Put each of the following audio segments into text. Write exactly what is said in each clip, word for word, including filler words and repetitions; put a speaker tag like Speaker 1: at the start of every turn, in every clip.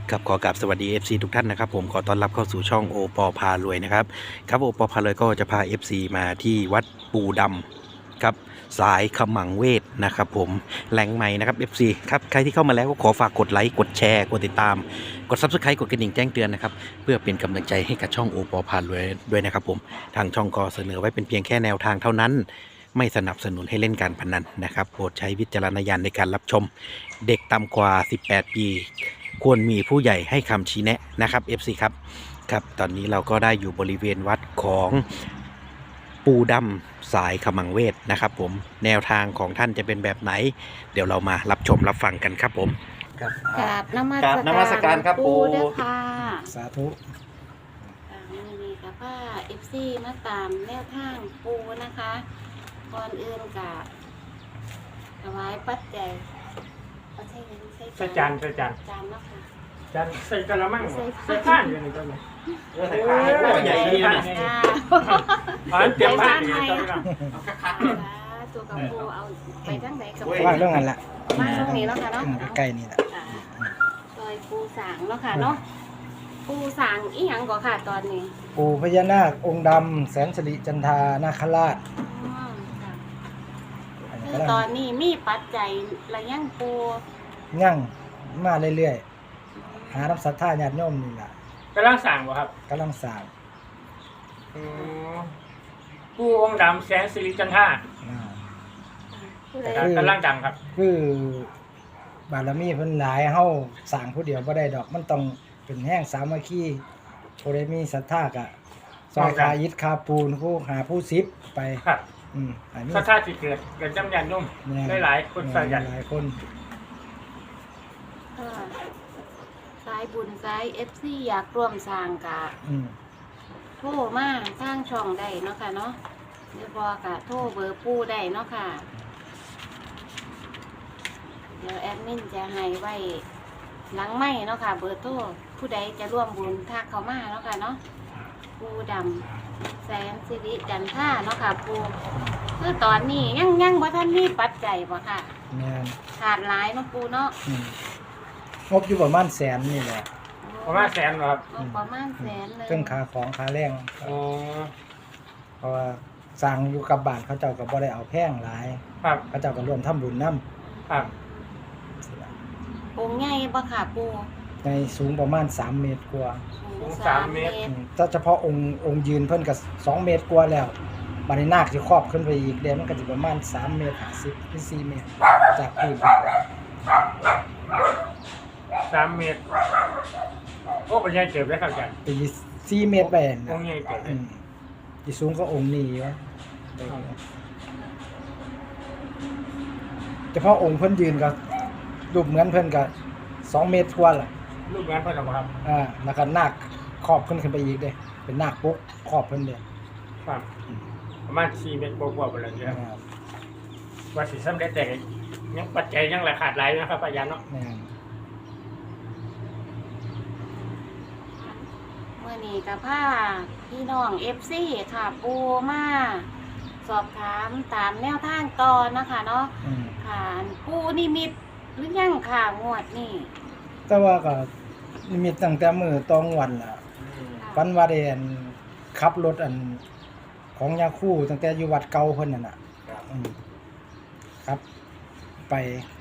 Speaker 1: ครับขอกราบสวัสดี เอฟ ซี ทุกท่านนะครับผมขอต้อนรับเข้าสู่ช่องโอปอพารวยนะครับครับโอปอพารวยก็จะพา เอฟ ซี มาที่วัดปูดำครับสายขมังเวทนะครับผมแหล่งใหม่นะครับ เอฟ ซี ครับใครที่เข้ามาแล้วก็ขอฝากกดไลค์กดแชร์กดติดตามกด ซับสไครบ์ กดกระดิ่งแจ้งเตือนนะครับเพื่อเป็นกำลังใจให้กับช่องโอปอพารวยด้วยนะครับผมทางช่องก็เสนอไว้เป็นเพียงแค่แนวทางเท่านั้นไม่สนับสนุนให้เล่นการพนันนะครับโปรดใช้วิจารณญาณในการรับชมเด็กต่ำกว่าสิบแปดปีควรมีผู้ใหญ่ให้คำชี้แนะนะครับ เอฟ ซี ครับครับตอนนี้เราก็ได้อยู่บริเวณวัดของปูดำสายขมังเวทนะครับผมแนวทางของท่านจะเป็นแบบไหนเดี๋ยวเรามารับชมรับฟังกันครับผมครับ
Speaker 2: กราบนมัส
Speaker 1: กราบนมัสการครับปู่
Speaker 2: เด้อค่ะ
Speaker 3: สาธุ
Speaker 2: อ่ามื้อนี้กับว่าเอฟซีมาตามแนวทางปูนะคะก่อนอื่นกับถวายปัจจัยเอาใช่ไหมใช่
Speaker 4: ใส่จานใส่จาน
Speaker 2: จานเนาะค่ะ
Speaker 4: จานใส่กะละมัง
Speaker 2: ใส่
Speaker 4: ใส่ข้านอยู่ในตัวนี้
Speaker 1: เออใส่ผ้าให้โอ้ใหญ่ดีนะ
Speaker 2: ค่ะ
Speaker 4: อ๋อเตรียมผ้าอยู่ในตัวนี้
Speaker 2: ตัวกับปูเอาไปทั้งไหนกับ
Speaker 3: ว่าเรื่องนั้นแหละ
Speaker 2: มาตรงนี้เนาะค่ะเนาะ
Speaker 3: อืมใกล้ๆนี่แหละ
Speaker 2: อ่าซอยปูสางเนาะค่ะเนาะปูสางอีหยังก่อค่ะตอนนี้
Speaker 3: ปู่พญานาคองค์ดำแสนสิริจันทานาคราช
Speaker 2: อืมค่ะ
Speaker 3: อันนี้
Speaker 2: คื
Speaker 3: กำ
Speaker 2: อ
Speaker 3: ลัง
Speaker 2: ตอนนี้มีปัจจัยระยังปู
Speaker 3: ยั่งมาเรื่อยๆหารับศรัทธาญาติโยมนี่แหละ
Speaker 4: กำลังสั่งบ่ครับ
Speaker 3: กำลังสร้าง
Speaker 4: อืมผู้องค์ดำแสนสิริจันทรา
Speaker 3: อ่า
Speaker 2: ผู้ใด
Speaker 4: กำลังดังครับ
Speaker 3: คือบารมีเพิ่นหลายเฮาสร้างผู้เดียวบ่ได้ดอกมันต้องเป็นแห้งสามัคคีผู้ใดมีศรัทธาก็ซอยคาอิฐคาปูนผู้หาผู้ซิบไป
Speaker 4: ครับ
Speaker 3: อืมอันนี้
Speaker 4: ถ้าถ้าสิเกิดเกิดจำยันนุ่ม
Speaker 3: แน่
Speaker 4: หลายๆคนใส่ยัน
Speaker 3: หลายคน
Speaker 2: ค่ะสายบุญสายเอฟซีอยากร่วมสร้างกะ
Speaker 3: อืม
Speaker 2: โทรมาสร้างช่องได้เนาะค่ะเนาะเดี๋ยวบอกะโทรเบอร์ปูได้เนาะค่ะ เดี๋ยวแอดมินจะให้ไว้หลังไม่เนาะค่ะ เบอร์โทรผู้ใดจะร่วมบุญทักเขามาเนาะค่ะเนาะปูดำแสนสิริจันท่าเนาะค่ะปูคือตอนนี้ยังยังบ่ท่านมีปัจจัยบ่ค่ะ
Speaker 3: แม่น
Speaker 2: ขาดหลายเนาะปูเนาะ
Speaker 3: อืมงบอยู่ประมาณแสนนี่แหละ
Speaker 4: ประมาณแสนบ่ครับ
Speaker 2: งบประมาณแสนเลย
Speaker 3: เครื่องขาของขาแรง
Speaker 4: อ๋อ
Speaker 3: เพราะว่าสั่งอยู่กับบ้านเขาเจ้าก็บ่ได้เอาแพงหลาย
Speaker 4: ครับ
Speaker 3: เขาเจ้าก็ร่วมทำบุญนํ
Speaker 4: ครับ
Speaker 2: องค์ใหญ่บ่ค่ะปู
Speaker 3: ในสูงประมาณสามเมตรกว่า
Speaker 2: สูงสามเมตร
Speaker 3: อืมถ้าเฉพาะองค์องค์ยืนเพิ่นก็สองเมตรกว่าแล้วบัดนี้นาคสิครอบขึ้นไปอีกเดี๋ยวมันก็สิประมาณสามเมตรห้าสิบถึงสี่เมตรจากพื้น
Speaker 4: สามเมตรโอ้ปัญญาเจ็บแล้วครับอาจารย์
Speaker 3: ตีสี่เมตรไป
Speaker 4: อ
Speaker 3: นะ
Speaker 4: งค์ใหญ่เจ็บ
Speaker 3: อืมที่สูงก็องค์นี้วะเฉพาะองค์เพิ่นยืนก็รูปเหมือนเพิ่นก็สองเมตรกว่าล่ะ
Speaker 4: รูปงานเพิ่นเอาบ่ครับ
Speaker 3: อ่าแล้วก็นาคครอบเพิ่นขึ้นไปอีกเด้เป็นนาคปุ๊กครอบเพิ่นเด้
Speaker 4: ครับประมาณสี่เมตรกว่าๆไปแล้วเนี่ย
Speaker 3: อ่า
Speaker 4: ว่าสิสำเร็จแต่ยังปัจจัยยังราคาดหลายนะครับอาจารย์เนาะ
Speaker 3: แม่น
Speaker 2: เมื่อนี้กับผ้าพี่น้องเอฟซีค่ะปูมาสอบถามตามแนวทางต่อนะคะเนาะ
Speaker 3: อืม
Speaker 2: ค่ะปูนิมิตหรือยังค่ะงวดนี่
Speaker 3: แต่ว่าก็นิมิตตั้งแต่มื้อตองวันล่ะฝันว่าได้อันขับรถอันของยาคูตั้งแต่อยู่วัดเก่าเพิ่นนั่นน่ะอืมครับ ไป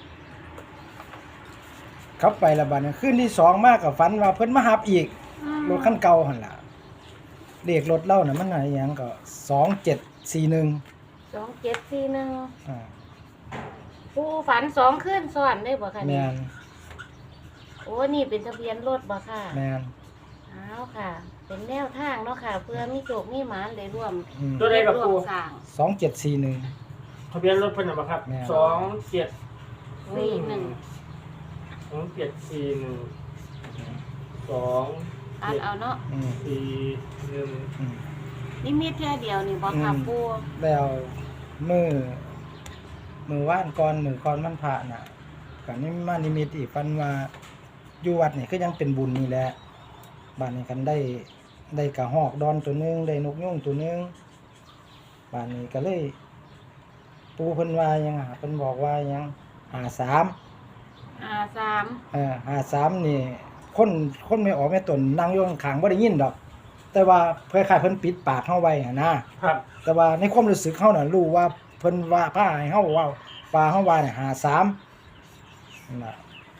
Speaker 3: ขับไปและบัดนี้คืนที่สองมาก็ฝันว่าเพิ่นมาหับอีก รถคันเก่าหั่นล่ะเลขรถเล่าน่ะมันอะไรหยังก็สองเจ็ดสี่หนึ่ง
Speaker 2: สองเจ็ดสี่หนึ่ง
Speaker 3: อ่า
Speaker 2: ปูฝันสองขึ้นซ้อนได้บ่คะ
Speaker 3: แม
Speaker 2: นี่
Speaker 3: น
Speaker 2: โอ้นี่เป็นทะเบียนรถบ่ค่ะ
Speaker 3: แมน
Speaker 2: อ้าวค่ะ เป็นแนวทางเนาะค่ะ เพื่อมีโจกมีหมานได้ร่วม
Speaker 3: อืม
Speaker 4: ตัวใดกับ
Speaker 2: ร่ว
Speaker 4: ปู
Speaker 2: มสร้าง
Speaker 3: สองเจ็ดสี่หนึ่ง
Speaker 4: ทะเบียนรถเพิ่นเอาบ่ครับ
Speaker 3: แม่
Speaker 4: สองเจ็ด
Speaker 2: สี่หนึ่ง
Speaker 4: สองเจ็ดสี่หนึ่งสอง
Speaker 2: อ่านเอาเนาะ
Speaker 3: อืม
Speaker 4: สี่หนึ่ง
Speaker 3: อืม
Speaker 2: นี่มีแค่เดียวนี่บ่ค่ะ
Speaker 3: อืม
Speaker 2: ปู
Speaker 3: แล้วมือมือว่านก่อนมือก่อนมันผ่าน่ะก็นี่มานิมิตอีกฝันว่าอยู่วัดนี่ก็ยังเป็นบุญนี่แหละบ้านนี้กันได้ได้กระหอกดอนตัวหนึงได้นกยุงตัวหนึงบ้านนี้ก็เลย ปูเพิ่นว่าหยังอ่ะเพิ่นบอกว่าหยังหาสาม
Speaker 2: อ่าสาม
Speaker 3: เอ่อหาสามนี่คนคนไม่ออกแม่ตนนั่งอยู่ข้างๆบ่ได้ยินดอก แต่ว่าคล้ายๆเพิ่นปิดปากเฮาไว้หั่นนะครับ แต่ว่าในความรู้สึกเฮาน่ะรู้ว่าเพิ่นว่าพาให้เฮาเว้าว่าเฮาว่าเนี่ยห้าสามนั่นล่ะ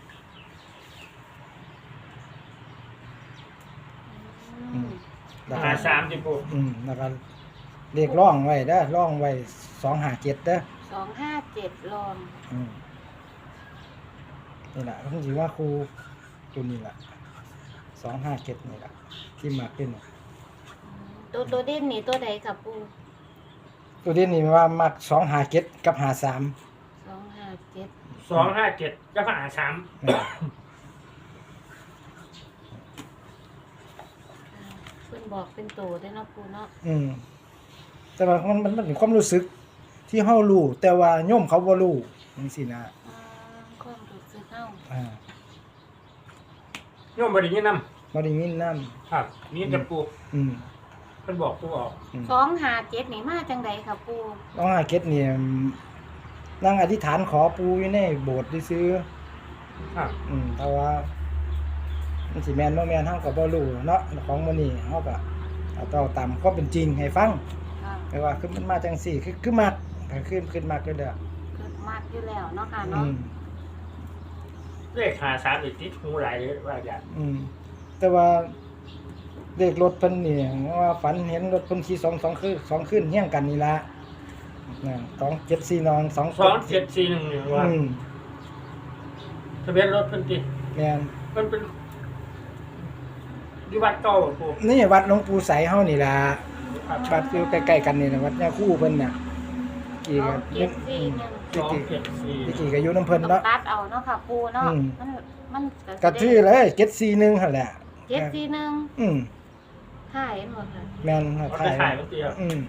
Speaker 2: อืม
Speaker 3: แล้ว
Speaker 4: หา
Speaker 3: ก็
Speaker 4: สามจิปู
Speaker 3: อืมแล้วก็เลขร่องไว้เด้อร่องไว้สองห้าเจ็ดเด้อ
Speaker 2: สองห้าเจ็ดลอง
Speaker 3: อืมนี่ล่ะเพิ่นสิว่าครูตัวนี้ล่ะสองห้าเจ็ดนี่ล่ะที่มาเป็น
Speaker 2: ตัวตัวเด่นนี่ตัวใดครับปู
Speaker 3: ตัวนี้นี่ว่ามักสองห้าเจ็ดกับห้าสาม
Speaker 2: สองห้าเจ็ด
Speaker 4: สองห้าเจ็ดก็หาสาม
Speaker 2: เพิ่นบอกเป็นตัวได้อเนาะปูเนาะ
Speaker 3: อืมแต่ว่ามันมันมันเป็นความรู้สึกที่เฮารู้แต่ว่าโยมเขาบ่รู้จังซี่นะ
Speaker 2: อ่าความรู้สึกเฮา
Speaker 3: อ่า
Speaker 4: โยมบริยินน
Speaker 3: บ่ได้ยินนำ
Speaker 4: ำครับนี่จะปู
Speaker 3: อืม
Speaker 4: เพิ่นบอกปูออก
Speaker 3: อืม
Speaker 2: สองห้าเจ็ดนี่มาจังใดครับปู
Speaker 3: น้องอาเก็ตนี่นั่งอธิษฐานขอปู่อยู่ในโบสถ์ซื่อ
Speaker 4: ครับ
Speaker 3: ๆอืมแต่ว่ามันสิแม่นบ่แม่นเฮาก็บ่รู้เนาะของมื้อนี้เฮาก็เอาต่อตามความเป็นจริงให้ฟัง
Speaker 2: ค่ะ
Speaker 3: แต่ว่าคือมันมาจังซี่คือคือมักก็คือขึ้นมักอยู่แล้ว
Speaker 2: เกิดมากอยู่แล้วเนาะค่ะ
Speaker 3: อื
Speaker 2: เนาะ
Speaker 3: ม
Speaker 4: เลขหาสามอีกติดหูหลายเลยว่าอย่าง
Speaker 3: อืมแต่ว่าเลขรถเพิ่นนี่ว่าฝันเห็นรถเพิ่นขี่สองสองคือสองขึ้นเฮี้ยงกันนี่ล่ะนะสองเจ็ดสี่นองสอง
Speaker 4: สองเจ็ดสี่หนึ่งหนึ่งว่า
Speaker 3: อืม
Speaker 4: ทะเบียนรถเพิ่นติ
Speaker 3: แม่น
Speaker 4: มันเป็นอยู่วัดเก่าปู
Speaker 3: นี่วัดหลวงปู่ไสเฮานี่ล่ะ
Speaker 4: ครับ
Speaker 3: วัดอยู่ใกล้ๆกันนี่นะวัดย่าคู่เพิ่นน่ะกี่
Speaker 2: สอ
Speaker 3: ก็
Speaker 2: งเจ็ดสี่หนึ่ง
Speaker 4: สองเจ็ดสี่
Speaker 3: ที่กี่ก็อยู่น้ำเพิ่น
Speaker 2: ต้อง
Speaker 3: เนาะ
Speaker 2: ตัดเอาเนาะค่ะปูเนาะ
Speaker 3: อืม
Speaker 2: มันมัน
Speaker 3: ก็ชื่อเลยเจ็ดสี่หนึ่งหั่นแหละ
Speaker 2: เจ็ดสี่หนึ่ง
Speaker 3: อืม
Speaker 2: ถ่ายหมดค่ะ
Speaker 3: แม่น
Speaker 4: เอา
Speaker 3: ถ่า
Speaker 4: ไป
Speaker 3: ย
Speaker 4: ถ่ายเมื่อกี้ครับ
Speaker 3: อืม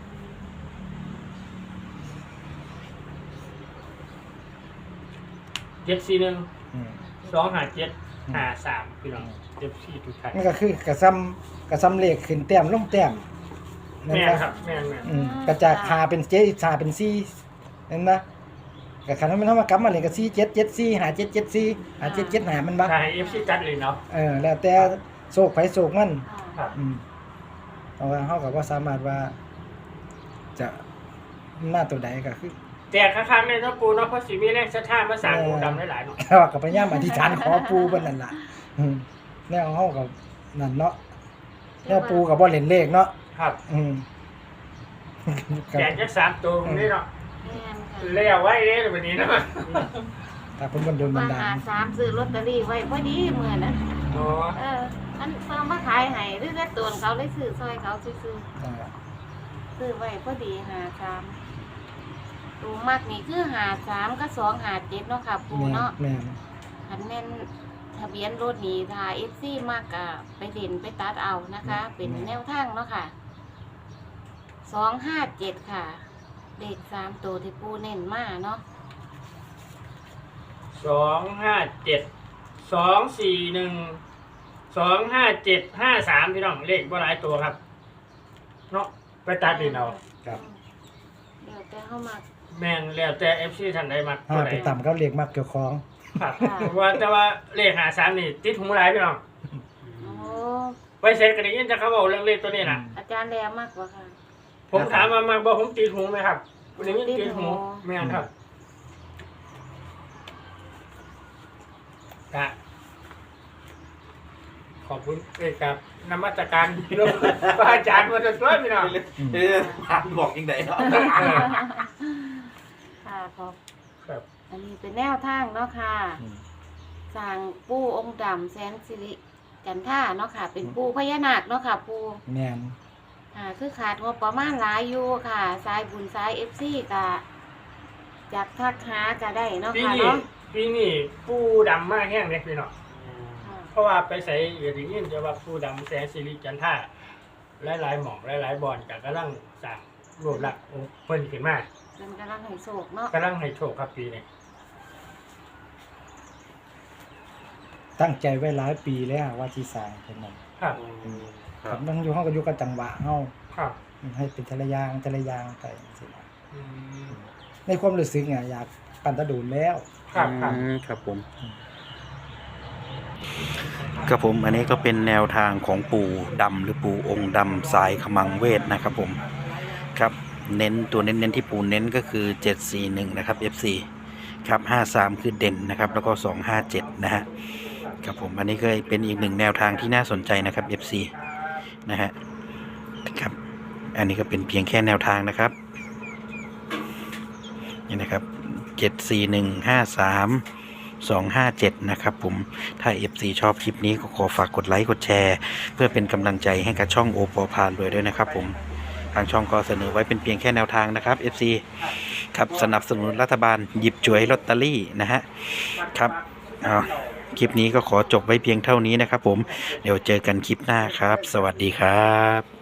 Speaker 4: เจ็ดสี่หนึ่ง
Speaker 3: อืม
Speaker 4: สองหาเจ็ดหาสามพี่น้องเจ็ดสี่ทุกท่าน
Speaker 3: มันก็คือกระซ้ำกระซ้ำเลขขึ้นแต้มลงแต้มนั่น
Speaker 4: แม่น
Speaker 3: นะ
Speaker 4: ครับแม่นแม่น
Speaker 3: อืมกระจากหาเป็นเจ็ดหาเป็นสี่นั่นนะกะคันมันเฮามากลับมาเลยก็สี่เจ็ดเจ็ดสี่หาเจ็ดเจ็ดสี่หาเจ็ดเจ็ดหามันบ่
Speaker 4: ถ่ายเอฟซีจัดเลยเนาะ
Speaker 3: เออแล้วแต่โศกไผโศกมัน
Speaker 2: ค่ะ
Speaker 4: ครับ
Speaker 3: อืมเพราะว่าเฮาก็บ่สามารถว่า จะหน้าตัวใดก็คือ
Speaker 4: แต่ค้างๆในเนาะปูเนาะเพราะสีมีแรงศรัทธามาสร้างปูดำหลายๆเนาะ
Speaker 3: แต่ว่าก็พยายามอธิษฐานขอปู่เพิ่นนั่นล่ะอืมแนวเฮาก็นั่นเนาะแนวปู่ก็บ่เล่นเลขเนาะ
Speaker 4: ครับ
Speaker 3: อืม
Speaker 4: แจกจักสามตัวตรงนี้เนาะ
Speaker 2: แม่นค่ะ
Speaker 4: เลี้ยวไว้เลยวันนี้เนาะ
Speaker 3: ถ้าเพิ่นบ่โดนบั
Speaker 2: มาน
Speaker 3: ดา
Speaker 2: หา
Speaker 3: ล
Speaker 2: สามซื้อลอตเตอรี่ไว้พอดีมื้อนั้น
Speaker 4: อ๋อ
Speaker 2: เอออันเพิ่นมาขายให้หรือได้ตวนเขาเลยซื้อซอยเขาซื้อ
Speaker 3: อ่า
Speaker 2: ๆซื้อไว้พอดีหาสามตัวมากนี่คือหาสามก็สองหาเจ็ดเนาะค่ะปู
Speaker 3: แม่น
Speaker 2: เนาะ
Speaker 3: แม่น
Speaker 2: คันแม่นทะเบียนรถนี่ถ้า เอฟ ซี มากก็ไปเด่นไปตัดเอานะคะ เป็นแนวทางเนาะค่ะสองห้าเจ็ดค่ะ เลขสามตัวที่ปูเน้นมาเนาะ
Speaker 4: สองห้าเจ็ดสองสี่หนึ่งสองห้าเจ็ดห้าสามพี่น้องเลขบ่หลายตัวครับเนาะไปตัดดินเอา
Speaker 3: ครับ
Speaker 2: เดี๋ยวแต่เข้ามา
Speaker 4: แม่นแล้วแต่เอฟซีท่านใดมา
Speaker 3: ห้า
Speaker 4: ตัวใด
Speaker 3: ไปต่ำก็เลขมักเกี่ยวของ
Speaker 4: ครับว่าแต่ว่าเลขหาสามนี่ติดหูหลายพี่น้อง
Speaker 2: โอ้
Speaker 4: ไปเสร็จกันยินจะเขาบอกเรื่องเลขตัวนี้นะ
Speaker 2: อาจารย์แรมมากกว่าค่ะ
Speaker 4: ผมถามมามาบอกผมติดหูไหมครับวันนี้ติดหู
Speaker 2: ติดหู
Speaker 4: แม่นครับกะขอบคุณเอกกับนมัสการหลวงพระอาจารย์มาจนช่วยพี่น้อง
Speaker 1: เออถามบอกยังไงเนาะ
Speaker 2: ค่ะครับ
Speaker 4: ครับ
Speaker 2: อันนี้เป็นแนวทางเนาะค่ะ
Speaker 3: อืม
Speaker 2: สร้างปู่องค์ดำแสนสิริจันท่าเนาะค่ะ เป็นปู่พญานาคเนาะค่ะปู่
Speaker 3: แม่น
Speaker 2: อ่าคือขาดงบประมาณหลายอยู่ค่ะ สายบุญสายเอฟซีกะจากทักหาก็ได้เนาะ
Speaker 4: ปี
Speaker 2: ค่ะ
Speaker 4: นี้
Speaker 2: เนาะ
Speaker 4: ปีนี้ปูดำมากแห้งเลยพี่น้อง
Speaker 2: ค่ะ
Speaker 4: เพราะว่าไปใส่เอริยินจะว่าปูดำแสงสิริจันท่าหลายๆหม่องหลายๆบอลกับกำลังสั่งรวบรักองค์เพิ่นขึ้นมา
Speaker 2: เป็นกำลังให้โศกเนาะ
Speaker 4: กำลังให้โชคครับปีนี้
Speaker 3: ตั้งใจไว้หลายปีแล้วว่าที่สร้างเพิ่นนั่น
Speaker 4: ครับ
Speaker 3: ครับมันอยู่เฮาก็อยู่กับจังหวะเฮา
Speaker 4: ครับ
Speaker 3: ให้เป็นแต่ละอย่างแต่ละอย่างไปจังซี่นะ
Speaker 4: อืม
Speaker 3: ในความรู้สึกเนี่ยอยากปั่นตะดูนแล้ว
Speaker 4: ครับครับ
Speaker 1: อืมครับผม
Speaker 3: อ
Speaker 1: ครับผมอันนี้ก็เป็นแนวทางของปู่ดำหรือปู่องค์ดำสายขมังเวทนะครับผมครับเน้นตัวเน้นๆที่ปู่เน้นก็คือเจ็ดสี่หนึ่งนะครับ เอฟ ซี ครับห้าสามคือเด่นนะครับแล้วก็สองห้าเจ็ดนะฮะครับผมอันนี้ก็เป็นอีกหนึ่งแนวทางที่น่าสนใจนะครับ เอฟ ซี นะฮะครับอันนี้ก็เป็นเพียงแค่แนวทางนะครับนี่นะครับเจ็ดสี่หนึ่งห้าสามสองห้าเจ็ดนะครับผมถ้า เอฟ ซี ชอบคลิปนี้ก็ขอฝากกดไลค์กดแชร์เพื่อเป็นกำลังใจให้กับช่องโอปอพารวยด้วยนะครับผมทางช่องก็เสนอไว้เป็นเพียงแค่แนวทางนะครับ เอฟ ซี ครับสนับสนุนรัฐบาลหยิบฉวยลอตเตอรี่นะฮะครับเอาคลิปนี้ก็ขอจบไว้เพียงเท่านี้นะครับผมเดี๋ยวเจอกันคลิปหน้าครับสวัสดีครับ